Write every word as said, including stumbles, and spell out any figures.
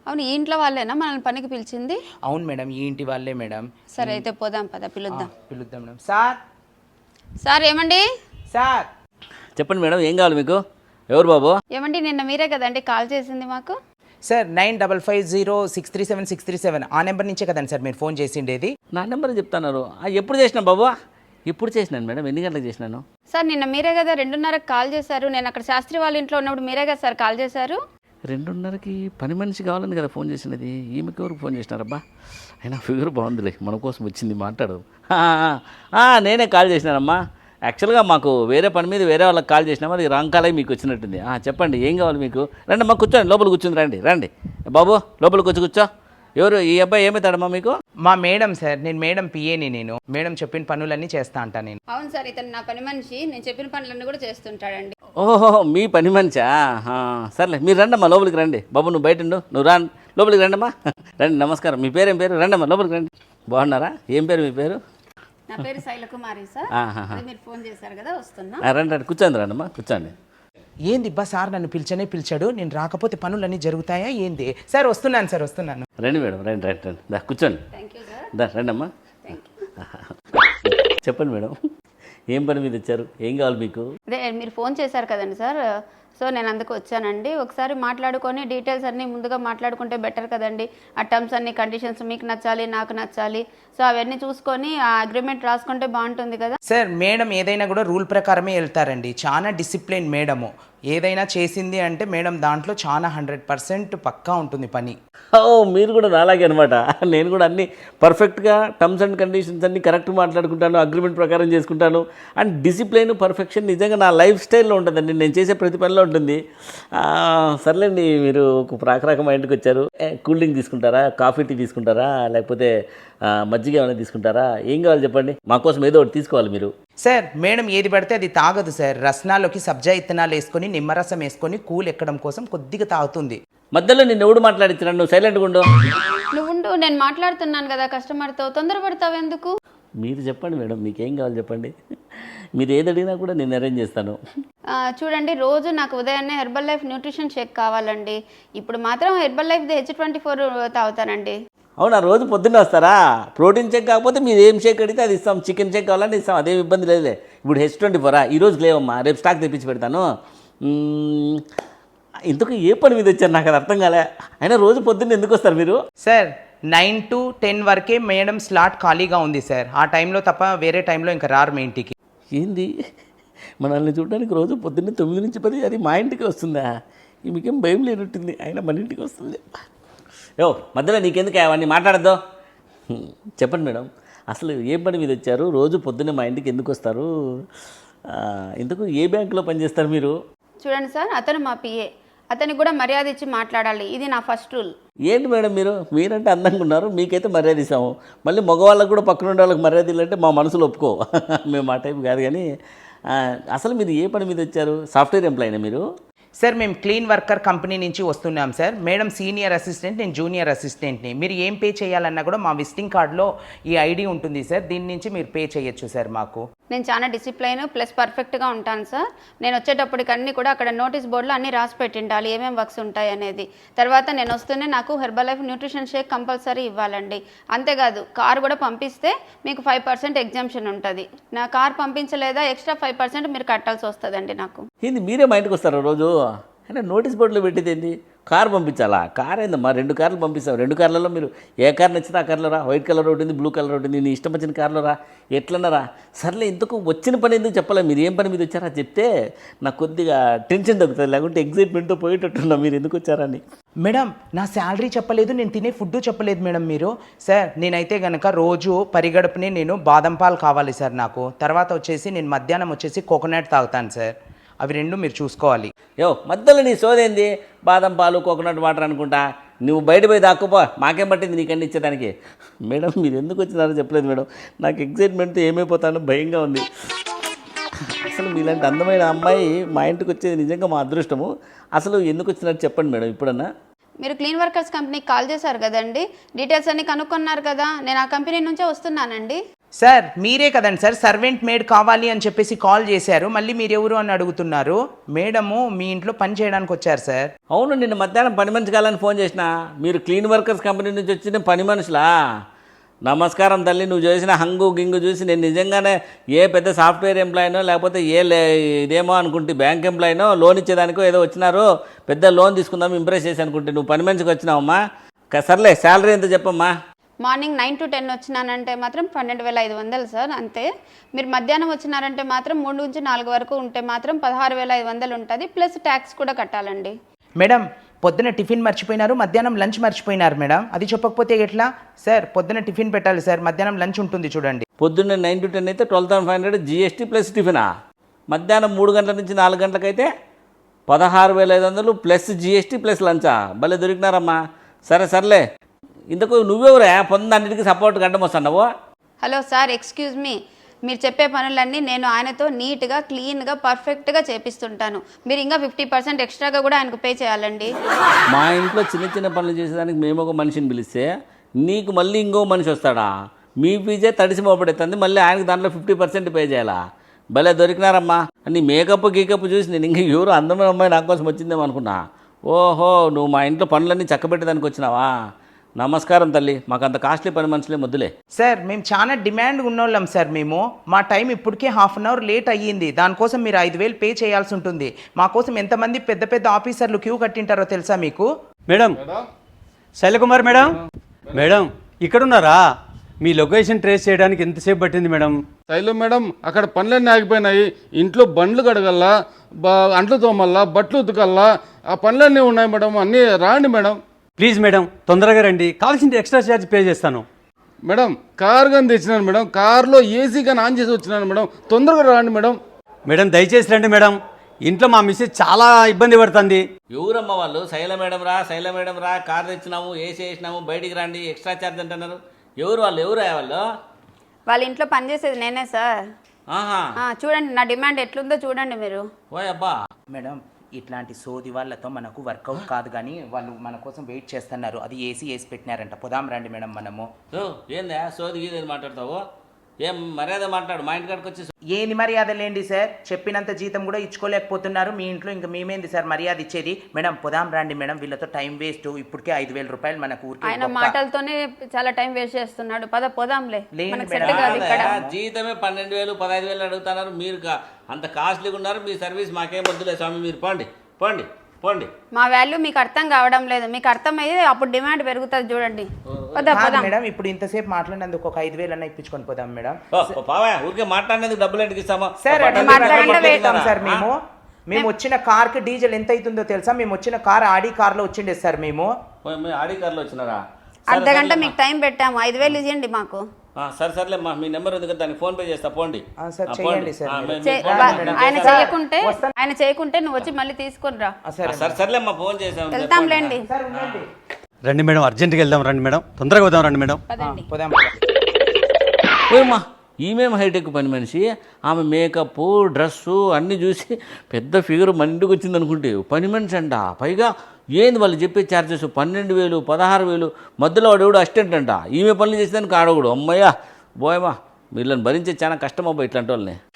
అవును, ఈ ఇంట్లో వాళ్ళేనా మనల్ని పనికి పిలిచింది? అవును మేడం, ఈ ఇంటి వాళ్ళే మేడం. సరే అయితే పోదాం పద, పిలుద్దాం. పిలుద్దాం మేడం. సార్ సార్ ఏమండి? సార్ చెప్పండి మేడం, ఏం కావాలి మీకు? ఎవరు బాబు? ఏమండి, నిన్న మీరే కదండి కాల్ చేసింది మాకు? Sir nine double five zero six three seven six three seven ఆ నెంబర్ నుంచే కదండి సార్ మీరు ఫోన్ చేసిండేది? నా నెంబర్ చెప్తున్నారు. ఎప్పుడు చేసినా బాబు? ఎప్పుడు చేసినాను మేడం? ఎన్ని గంటలకు చేసినాను? సార్ నిన్న మీరే కదా రెండున్నరకు కాల్ చేశారు. నేను అక్కడ శాస్త్రి వాళ్ళ ఇంట్లో ఉన్నప్పుడు మీరే కదా సార్ కాల్ చేశారు. రెండున్నరకి పని మనిషి కావాలని కదా ఫోన్ చేసినది. ఈమెకి ఎవరికి ఫోన్ చేసినారబ్బా? అయినా ఫిగర్ బాగుందిలే, మన కోసం వచ్చింది, మాట్లాడదు. నేనే కాల్ చేసినానమ్మా. యాక్చువల్గా మాకు వేరే పని మీద వేరే వాళ్ళకి కాల్ చేసినామా, అది రాంగ్ కాల్ అయి మీకు వచ్చినట్టుంది. చెప్పండి, ఏం కావాలి మీకు? రండి అమ్మా, కూర్చోండి, లోపల కూర్చుంది. రండి రండి బాబు, లోపలికి వచ్చి కూర్చో. ఎవరు ఈ అబ్బాయి? ఏమవుతాడమ్మా మీకు? మా మేడం సార్, నేను మేడం పిఏని. నేను మేడం చెప్పిన పనులన్నీ చేస్తా అంటా నేను. అవును సార్, ఇతను నా పని మనిషి. నేను చెప్పిన పనులన్నీ కూడా చేస్తుంటాడండి. ఓహో, మీ పని మనిషా? సర్లే, మీరు రండమ్మా, లోపలికి రండి. బాబు నువ్వు బయట ఉండు, నువ్వు రా, లోపలికి రండమ్మా. రండి, నమస్కారం. మీ పేరు ఏం పేరు? రండమ్మా, లోపలికి రండి. బాగున్నారా? ఏం పేరు మీ పేరు? నా పేరు శైలకుమారి సార్. మీరు ఫోన్ చేశారు కదా, వస్తున్నా. రండి రండి, కూర్చోండి, రండమ్మా, కూర్చోండి. ఏంది బా సార్ నన్ను పిలిచనే పిలిచాడు, నేను రాకపోతే పనులన్నీ జరుగుతాయా ఏంది? సార్ వస్తున్నాను సార్, వస్తున్నాను. రండి మేడం, రండి రండి రండి, దా కూర్చోండి. Thank you sir. దా రండమ్మా. చెప్పండి మేడం, ఏం పని మీద వచ్చారు? ఏం కావాలి మీకు? అదే మీరు ఫోన్ చేశారు కదండి సార్, సో నేను అందుకు వచ్చానండి. ఒకసారి మాట్లాడుకొని డీటెయిల్స్ అన్నీ ముందుగా మాట్లాడుకుంటే బెటర్ కదండి. ఆ టర్మ్స్ అన్ని కండిషన్స్ మీకు నచ్చాలి, నాకు నచ్చాలి. సో అవన్నీ చూసుకొని ఆ అగ్రిమెంట్ రాసుకుంటే బాగుంటుంది కదా సార్. మేడం ఏదైనా కూడా రూల్ ప్రకారమే వెళ్తారండి. చాలా డిసిప్లిన్ మేడము. ఏదైనా చేసింది అంటే మేడం దాంట్లో చాలా హండ్రెడ్ పర్సెంట్ పక్కా ఉంటుంది పని. ఓ, మీరు కూడా నాలాగే అనమాట. నేను కూడా అన్నీ పర్ఫెక్ట్గా టర్మ్స్ అండ్ కండిషన్స్ అన్నీ కరెక్ట్ మాట్లాడుకుంటాను, అగ్రిమెంట్ ప్రకారం చేసుకుంటాను. అండ్ డిసిప్లైన్, పర్ఫెక్షన్ నిజంగా నా లైఫ్ స్టైల్లో ఉంటుందండి, నేను చేసే ప్రతి పనిలో ఉంటుంది. సర్లేండి, మీరు ఒక ప్రాకరాక మా ఇంటికి వచ్చారు. కూల్ డ్రింక్ తీసుకుంటారా, కాఫీ టీ తీసుకుంటారా, లేకపోతే మజ్జిగ ఏమైనా తీసుకుంటారా? ఏం కావాలి చెప్పండి, మాకోసం ఏదో ఒకటి తీసుకోవాలి మీరు. సార్ మేడం ఏది పడితే అది తాగదు సార్. రసనాలోకి సబ్జా ఇత్తనాలు వేసుకొని నిమ్మరసం వేసుకొని కూల్ ఎక్కడం కోసం కొద్దిగా తాగుతుంది. మధ్యలో నిన్ను ఎవడు మాట్లాడించినాడు? నువ్వు సైలెంట్గా ఉండు. నువ్వు ఉండు, నేను మాట్లాడుతున్నాను కదా కస్టమర్తో. తొందరపడతావు ఎందుకు? మీరు చెప్పండి మేడం, మీకేం కావాలి చెప్పండి. మీరు ఏది అడిగినా కూడా నేను అరేంజ్ చేస్తాను. చూడండి, రోజు నాకు ఉదయాన్నే హెర్బల్ లైఫ్ న్యూట్రిషన్ షేక్ కావాలండి. ఇప్పుడు మాత్రం Herbalife H twenty four తాగుతానండి. అవునా? రోజు పొద్దున్న వస్తారా? ప్రోటీన్ షేక్ కాకపోతే మీరు ఏం షేక్ అడిగితే అది ఇస్తాం. చికెన్ షేక్ కావాలంటే ఇస్తాం, అదేం ఇబ్బంది లేదులే. ఇప్పుడు హెచ్ ట్వంటీ ఫోరా? ఈరోజు లేవమ్మా, రేపు స్టాక్ తెప్పించి పెడతాను. ఇంతకు ఏ పని మీద వచ్చారు నాకు అది అర్థం కాలే. అయినా రోజు పొద్దున్న ఎందుకు వస్తారు మీరు? సార్ నైన్ టు టెన్ వరకే మేడం స్లాట్ ఖాళీగా ఉంది సార్. ఆ టైంలో తప్ప వేరే టైంలో ఇంకా రారు మీ ఇంటికి. ఏంది, మనల్ని చూడడానికి రోజు పొద్దున్నే తొమ్మిది నుంచి పది అది మా ఇంటికి వస్తుందా? మీకేం భయం లేనట్టుంది, అయినా మన ఇంటికి వస్తుంది. యో మధ్యలో నీకెందుకు అవన్నీ మాట్లాడద్దు. చెప్పండి మేడం, అసలు ఏ పని మీద వచ్చారు? రోజు పొద్దున్నే మా ఇంటికి ఎందుకు వస్తారు? ఇందుకు ఏ బ్యాంకులో పనిచేస్తారు మీరు? చూడండి సార్, అతను మా పిఏ, అతనికి కూడా మర్యాద ఇచ్చి మాట్లాడాలి, ఇది నా ఫస్ట్ రూల్. ఏంటి మేడం మీరు మీరంటే అందంగా ఉన్నారు, మీకైతే మర్యాద ఇస్తాము. మళ్ళీ మగవాళ్ళకు కూడా పక్కన ఉండే వాళ్ళకి మర్యాద ఇల్లంటే మా మనసులో ఒప్పుకో. మేము ఆ టైప్ కాదు. కానీ అసలు మీరు ఏ పని మీద వచ్చారు? సాఫ్ట్వేర్ ఎంప్లాయీనా మీరు? సార్ మేము క్లీన్ వర్కర్ కంపెనీ నుంచి వస్తున్నాం సార్. మేడం సీనియర్ అసిస్టెంట్, నేను జూనియర్ అసిస్టెంట్ని. మీరు ఏం పే చేయాలన్నా కూడా మా విజిటింగ్ కార్డులో ఈ ఐడి ఉంటుంది సార్, దీని నుంచి మీరు పే చేయొచ్చు సార్. మాకు నేను చాలా డిసిప్లైన్ ప్లస్ పర్ఫెక్ట్గా ఉంటాను సార్. నేను వచ్చేటప్పటికి అన్నీ కూడా అక్కడ నోటీస్ బోర్డులో అన్నీ రాసి పెట్టిండాలి, ఏమేమి వర్క్స్ ఉంటాయి అనేది. తర్వాత నేను వస్తూనే నాకు Herbalife nutrition shake compulsory ఇవ్వాలండి. అంతేకాదు, కార్ కూడా పంపిస్తే మీకు ఫైవ్ పర్సెంట్ ఎగ్జామ్షన్ ఉంటుంది. నా కార్ పంపించలేదా ఎక్స్ట్రా ఫైవ్ పర్సెంట్ మీరు కట్టాల్సి వస్తుందండి నాకు. ఏంది, మీరే మా ఇంటికి వస్తారా రోజు? అంటే నోటీస్ బోర్డులో పెట్టేది ఏంది? కార్ పంపించాలా? కార్ ఏందమ్మా, రెండు కార్లు పంపిస్తాం. రెండు కార్లలో మీరు ఏ కార్ నచ్చితే ఆ కార్లో రా. వైట్ కలర్ ఉంటుంది, బ్లూ కలర్ ఉంటుంది, నీ ఇష్టం వచ్చిన కార్లో రా, ఎట్లన్నారా? సర్లే, ఇంతకు వచ్చిన పని ఎందుకు చెప్పలే? మీరు ఏం పని మీద వచ్చారా చెప్తే నాకు కొద్దిగా టెన్షన్ తగ్గుతుంది, లేకుంటే ఎగ్జైట్మెంట్తో పోయేటట్టున్నా మీరు ఎందుకు వచ్చారని. మేడం నా శాలరీ చెప్పలేదు, నేను తినే ఫుడ్ చెప్పలేదు మేడం మీరు. సార్ నేనైతే కనుక రోజు పరిగడుపునే నేను బాదం పాలు కావాలి సార్ నాకు. తర్వాత వచ్చేసి నేను మధ్యాహ్నం వచ్చేసి కోకోనట్ తాగుతాను సార్. అవి రెండు మీరు చూసుకోవాలి. యో మధ్యలో నీ సోదేంది? బాదం పాలు, కోకోనట్ వాటర్ అనుకుంటా. నువ్వు బయట పోయి దాక్కుపో, మాకేం పట్టింది నీకన్నీ ఇచ్చేదానికి. మేడం మీరు ఎందుకు వచ్చినారో చెప్పలేదు మేడం. నాకు ఎగ్జైట్మెంట్తో ఏమైపోతానో భయంగా ఉంది. అసలు మీలాంటి అందమైన అమ్మాయి మా ఇంటికి వచ్చేది నిజంగా మా అదృష్టము. అసలు ఎందుకు వచ్చినారు చెప్పండి మేడం ఇప్పుడన్నా. మీరు క్లీన్ వర్కర్స్ కంపెనీకి కాల్ చేశారు కదండి, డీటెయిల్స్ అన్నీ కనుక్కున్నారు కదా. నేను ఆ కంపెనీ నుంచే వస్తున్నానండి. సార్ మీరే కదండి సార్ సర్వెంట్ మేడ్ కావాలి అని చెప్పేసి కాల్ చేశారు, మళ్ళీ మీరెవరు అని అడుగుతున్నారు. మేడము మీ ఇంట్లో పని చేయడానికి వచ్చారు సార్. అవును, నిన్న మధ్యాహ్నం పని మనిషి కావాలని ఫోన్ చేసిన. మీరు క్లీన్ వర్కర్స్ కంపెనీ నుంచి వచ్చిన పని మనుషులా? నమస్కారం తల్లి. నువ్వు చేసిన హంగు గింగు చూసి నేను నిజంగానే ఏ పెద్ద సాఫ్ట్వేర్ ఎంప్లాయీనో లేకపోతే ఏ లే ఇదేమో అనుకుంటే బ్యాంక్ ఎంప్లాయీనో లోన్ ఇచ్చేదానికో ఏదో వచ్చినారు, పెద్ద లోన్ తీసుకుందాం ఇంప్రెస్ చేసి అనుకుంటే నువ్వు పని మనిషికి వచ్చినావమ్మా. క- సర్లే శాలరీ ఎంత చెప్పమ్మా. మార్నింగ్ నైన్ టు టెన్ వచ్చినానంటే మాత్రం పన్నెండు వేల ఐదు వందలు సార్ అంతే. మీరు మధ్యాహ్నం వచ్చినారంటే మాత్రం మూడు నుంచి నాలుగు వరకు ఉంటే మాత్రం పదహారు వేల ఐదు వందలు ఉంటుంది, ప్లస్ ట్యాక్స్ కూడా కట్టాలండి. మేడం పొద్దున టిఫిన్ మర్చిపోయినారు, మధ్యాహ్నం లంచ్ మర్చిపోయినారు మేడం. అది చెప్పకపోతే ఎట్లా సార్? పొద్దున టిఫిన్ పెట్టాలి సార్, మధ్యాహ్నం లంచ్ ఉంటుంది చూడండి. పొద్దున్నే నైన్ టు టెన్ అయితే twelve thousand five hundred GST plus టిఫినా. మధ్యాహ్నం మూడు గంటల నుంచి నాలుగు గంటలకైతే పదహారు వేల ఐదు వందలు ప్లస్ జిఎస్టీ ప్లస్ లంచా. భలే దొరికినారమ్మా. సరే సర్లే, ఇంతకు నువ్వెవరా పొంద అన్నిటికీ సపోర్ట్ గడ్డం వస్తున్నావు? Hello sir, excuse me. మీరు చెప్పే పనులన్నీ నేను ఆయనతో నీట్గా క్లీన్గా పర్ఫెక్ట్గా చేపిస్తుంటాను. మీరు ఇంకా ఫిఫ్టీ పర్సెంట్ ఎక్స్ట్రాగా కూడా ఆయనకు పే చేయాలండి. మా ఇంట్లో చిన్న చిన్న పనులు చేసేదానికి మేము ఒక మనిషిని పిలిస్తే నీకు మళ్ళీ ఇంకో మనిషి వస్తాడా? మీ ఫీజే తడిసి మోపడుతుంది, మళ్ళీ ఆయనకు దాంట్లో ఫిఫ్టీ పర్సెంట్ పే చేయాలా? భలే దొరికినారమ్మా. నీ మేకప్ గీకప్ చూసి నేను ఇంకా ఎవరు అందమైన అమ్మాయి నా కోసం వచ్చిందేమో అనుకున్నా. ఓహో, నువ్వు మా ఇంట్లో పనులన్నీ చక్కబెట్టేదానికి వచ్చినావా? నమస్కారం తల్లి. మాకు అంత కాస్ట్లీ పని మనుషులే మొద్దులే. సార్ మేము చాలా డిమాండ్ ఉన్నోళ్ళం సార్. మేము మా టైం ఇప్పటికే హాఫ్ అన్ అవర్ లేట్ అయ్యింది, దానికోసం మీరు ఐదు వేలు పే చేయాల్సి ఉంటుంది. మా కోసం ఎంతమంది పెద్ద పెద్ద ఆఫీసర్లు క్యూ కట్టింటారో తెలుసా మీకు? మేడం శైలకుమార్ మేడం, మేడం ఇక్కడున్నారా? మీ లొకేషన్ ట్రేస్ చేయడానికి ఎంతసేపు పట్టింది మేడం? శైలు మేడం, అక్కడ పనులన్నీ ఆగిపోయినాయి. ఇంట్లో బండ్లు కడగల్లా, బ అంట్లు తోమల్లా, బట్టలు ఉతకల్లా, ఆ పనులన్నీ ఉన్నాయి మేడం. అన్నీ రాండి మేడం. ప్లీజ్ మేడం తొందరగా రండి, కావాల్సింది ఎక్స్ట్రా ఛార్జ్ పే చేస్తాను. మేడం కార్ కానీ తెచ్చినాను మేడం, కార్లో ఏసీ కానీ ఆన్ చేసి వచ్చినాను మేడం. తొందరగా రాండి మేడం. మేడం దయచేసి రండి మేడం, ఇంట్లో మా మిస్సెస్ చాలా ఇబ్బంది పడుతుంది. ఎవరమ్మ వాళ్ళు? శైల మేడం రా, శైల మేడం రా, కార్ తెచ్చినాము, ఏసీ వేసినాము, బయటికి రండి, ఎక్స్ట్రా ఛార్జ్ అంటున్నారు. ఎవరు వాళ్ళు? ఎవరు వాళ్ళు? వాళ్ళ ఇంట్లో పనిచేసేది నేనే సార్. ఆహా, ఆ, చూడండి నా డిమాండ్ ఎట్లుందో చూడండి మీరు. ఓయ్ అబ్బా. మేడం ఇట్లాంటి సోది వాళ్ళతో మనకు వర్కౌట్ కాదు, కానీ వాళ్ళు మన కోసం వెయిట్ చేస్తున్నారు. అది ఏసీ వేసి పెట్టినారంట. పోదాం రండి మేడం మనము. ఓ, ఏందా సోది గీది మాట్లాడతావు? ఏం మర్యాద మాట్లాడు. మా ఇంటికాడికి వచ్చి ఏంది మర్యాద లేండి సార్? చెప్పినంత జీతం కూడా ఇచ్చుకోలేకపోతున్నారు మీ ఇంట్లో, ఇంకా మేమేంది సార్ మర్యాద ఇచ్చేది? మేడం పోదాం రండి మేడం, వీళ్ళతో టైం వేస్ట్. ఇప్పటికే ఐదు వేల రూపాయలు మనకు ఊరికే ఆయన గొప్ప. మాటలతోనే చాలా టైం వేస్ట్ చేస్తున్నాడు. పద పోదాంలే, లేదు మనకు మేడం. సెట్ కాదు ఇక్కడ. జీతమే పన్నెండు వేలు పదహైదు వేలు అడుగుతున్నారు. మీరు కా- అంత కాస్ట్లీగా ఉన్నారు. మీ సర్వీస్ మాకేం వద్దులే స్వామి, మీరు పోండి పోండి పోండి. మా వాల్యూ మీకు అర్థం కావడం లేదు. మీకు అర్థమయ్యేది అప్పుడు డిమాండ్ పెరుగుతుంది చూడండి. పద కాదు పదాం. మేడం, ఇప్పుడు ఇంతసేపు మాట్లాడినందుకు ఒక ఐదు వేలు అన్న ఇప్పించుకొని పోదాం మేడం. ఓ, ఓ, పావా ఊరికే మాట్లాడినందుకు డబ్బులు ఎందుకు ఇస్తామా? సార్ ఆ అట్లా బట్టలు మాట్లాడండి, బట్టలు వెయిట్ ఇస్తాం ఇస్తారా? సార్ మేము. మేము వచ్చిన కార్ కి డీజిల్ ఎంత అవుతుందో తెలుసా? మేము వచ్చిన కార్ ఆడి కార్ లో వచ్చిండే సార్ మేము. ఓ, మీ ఆడి కార్లో వచ్చినారా? అర్ధ గంట మీకు టైం పెట్టాము, ఐదు వేలు ఇవ్వండి మాకు. ఆ, సరే సర్లే మా మీ నెంబర్ ఉంది కదా, దానికి ఫోన్ పే చేస్తా పోండి. ఆ, సార్ ఆ, చేయండి పోండి. సార్ ఆ, మీరు. మేము- చే- మేము వా- పోండి, మేము ఆయన చేస్తాం. చేయకుంటే ఆయన చేయకుంటే నువ్వు వచ్చి మళ్ళీ తీసుకొని రా. ఆ, ఆ, సరే సరే సర్లే మా ఫోన్ చేసాం. వెళ్తాంలేండి. సార్ ఉండండి. రండి మేడం, అర్జెంట్గా వెళ్దాం రండి మేడం, తొందరగా వద్దాం రండి మేడం. పదండి. పోదాం. ఓయమ్మా, ఈమెం హైటెక్ పని మనిషి. ఆమె మేకప్ డ్రెస్సు అన్నీ చూసి పెద్ద ఫిగర్ మన ఇంటికి వచ్చింది అనుకుంటే పని మనిషి అంట. పైగా ఏంది వాళ్ళు చెప్పే ఛార్జెస్ పన్నెండు వేలు పదహారు వేలు మధ్యలో వాడు ఎవడు అసిస్టెంట్ అంట. ఈమె పనులు చేసేదానికి ఆడకూడదు. అమ్మయ్యా బోయమ్మా, వీళ్ళని భరించే చాలా కష్టం అబ్బా ఇట్లాంటి వాళ్ళని.